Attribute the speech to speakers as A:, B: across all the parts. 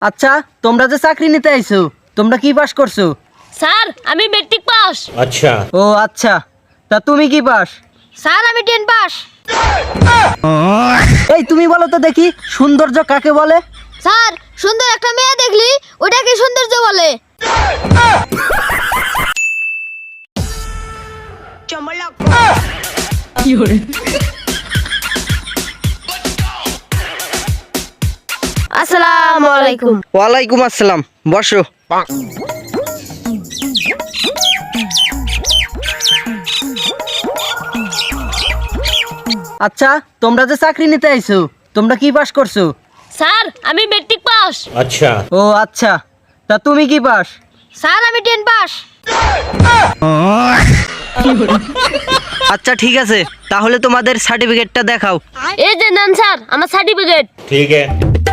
A: আচ্ছা, তোমরা যে চাকরি নিতে আইছো, তোমরা কি পাস করছো?
B: স্যার আমি মেট্রিক পাস।
C: अच्छा
A: ও আচ্ছা, তা তুমি কি পাস?
B: স্যার আমি 10 পাস।
A: এই তুমি বলো তো দেখি, সৌন্দর্য কাকে বলে?
B: স্যার সুন্দর একটা মেয়ে দেখলি ওটাকে সৌন্দর্য বলে। আসসালামু আলাইকুম।
A: ওয়ালাইকুম আসসালাম, বসো। আচ্ছা, তোমরা যে চাকরি নিতে আইছো, তোমরা কি পাস করছো?
B: স্যার আমি মেট্রিক পাস।
C: अच्छा
A: ও আচ্ছা, তা তুমি কি পাস?
B: স্যার আমি 10 পাস।
A: আচ্ছা ঠিক আছে, তাহলে তোমাদের সার্টিফিকেটটা দেখাও।
B: এই যে নেন স্যার আমার সার্টিফিকেট।
C: ठीक है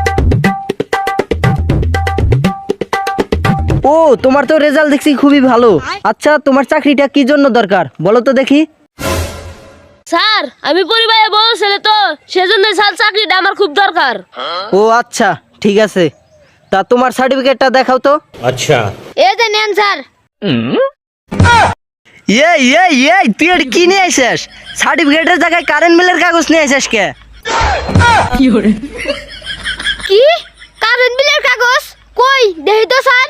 A: ও, তোমার তো রেজাল্ট দেখছি খুবই ভালো। আচ্ছা, তোমার চাকরিটা কি জন্য দরকার বলো তো দেখি।
B: স্যার আমি পরিবারে বড় ছেলে তো সেজন্য স্যার চাকরিটা আমার খুব দরকার।
A: ও আচ্ছা ঠিক আছে, তা তোমার সার্টিফিকেটটা দেখাও তো।
C: अच्छा
B: এই যে নেন স্যার।
A: তুই এটা কি নিয়ে আইছিস? সার্টিফিকেটের জায়গায় কারেন্ট বিলের কাগজ নিয়ে আইছিস কে?
B: কি কারেন্ট বিলের কাগজ? কই দেই তো স্যার।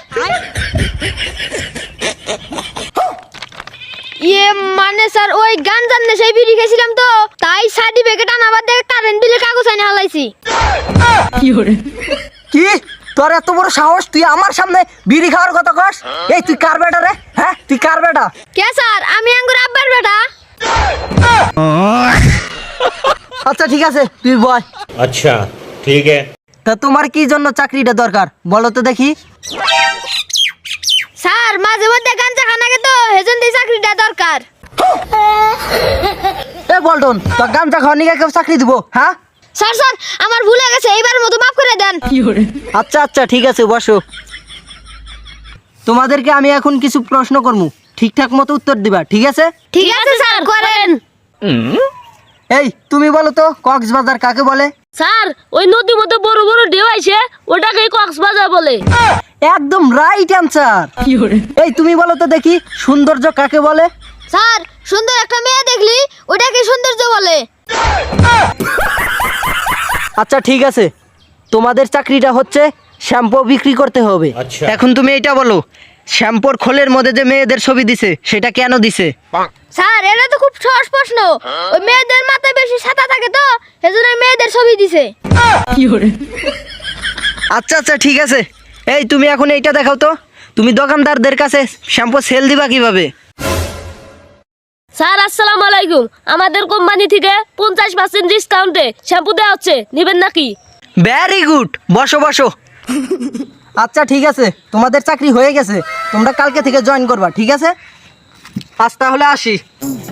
B: মানে স্যার ওই গান জানলে সেই বিড়ি খেয়েছিলাম তো তাই সার্টিফিকেট আনাবার দেখে কারেন্ট বিলের কাগজ এনে হালাইছি।
A: কি তোর এত বড় সাহস, তুই আমার সামনে বিড়ি খাওয়ার কথা কস? এই তুই কার বেটা রে? হ্যাঁ তুই কার বেটা?
B: কে স্যার আমি আঙ্গুর আব্বার বেটা।
A: আচ্ছা ঠিক আছে, তুই বল।
C: अच्छा ठीक है
A: তা তোমার কি জন্য চাকরিটা দরকার বলো তো দেখি।
B: স্যার মাঝে মধ্যে গাঞ্জা খানাকে তো হেজন্য চাকরিটা দরকার।
A: এ বলটন, তোর গামছা খাওয়ার নিয়ে কেউ চাকরি দিব? হ্যাঁ
B: স্যার স্যার আমার ভুল হয়ে গেছে, এইবার মতো মাফ করে দেন।
A: আচ্ছা আচ্ছা ঠিক আছে, বসো। তোমাদেরকে আমি এখন কিছু প্রশ্ন করবো, ঠিকঠাক মতো উত্তর দিবা, ঠিক আছে?
B: ঠিক আছে স্যার করেন।
A: এই তুমি বলো তো, কক্সবাজার কাকে বলে?
B: স্যার ওই নদীর মধ্যে বড় বড় ঢেউ আইছে ওটাকে কক্সবাজার বলে।
A: একদম রাইট অ্যান্সার। এই তুমি বলো তো দেখি, সৌন্দর্য কাকে বলে?
B: স্যার সুন্দর একটা মেয়ে দেখলি ওটাকে সৌন্দর্য বলে।
A: আচ্ছা ঠিক আছে, তোমাদের চাকরিটা হচ্ছে শ্যাম্পু বিক্রি করতে হবে।
C: আচ্ছা।
A: এখন তুমি এটা বলো, শ্যাম্পুর খোলের মধ্যে যে মেয়েদের ছবি দিছে সেটা কেন দিছে?
B: স্যার এটা তো খুব সহজ প্রশ্ন। ওই মেয়েদের মাথায় বেশি ছাতা থাকে তো সেজন্য মেয়েদের ছবি দিছে।
A: আচ্ছা আচ্ছা ঠিক আছে, এই তুমি এখন এইটা দেখাও তো, তুমি দোকানদারদের কাছে শ্যাম্পু সেল দিবা কিভাবে?
B: স্যার আসসালামু আলাইকুম, আমাদের কোম্পানি থেকে 50% ডিসকাউন্টে শ্যাম্পু দেওয়া হচ্ছে, নেবেন নাকি?
A: ভেরি গুড, বসো বসো। আচ্ছা ঠিক আছে, তোমাদের চাকরি হয়ে গেছে, তোমরা কালকে থেকে জয়েন করবা, ঠিক আছে? আজ তাহলে আসি।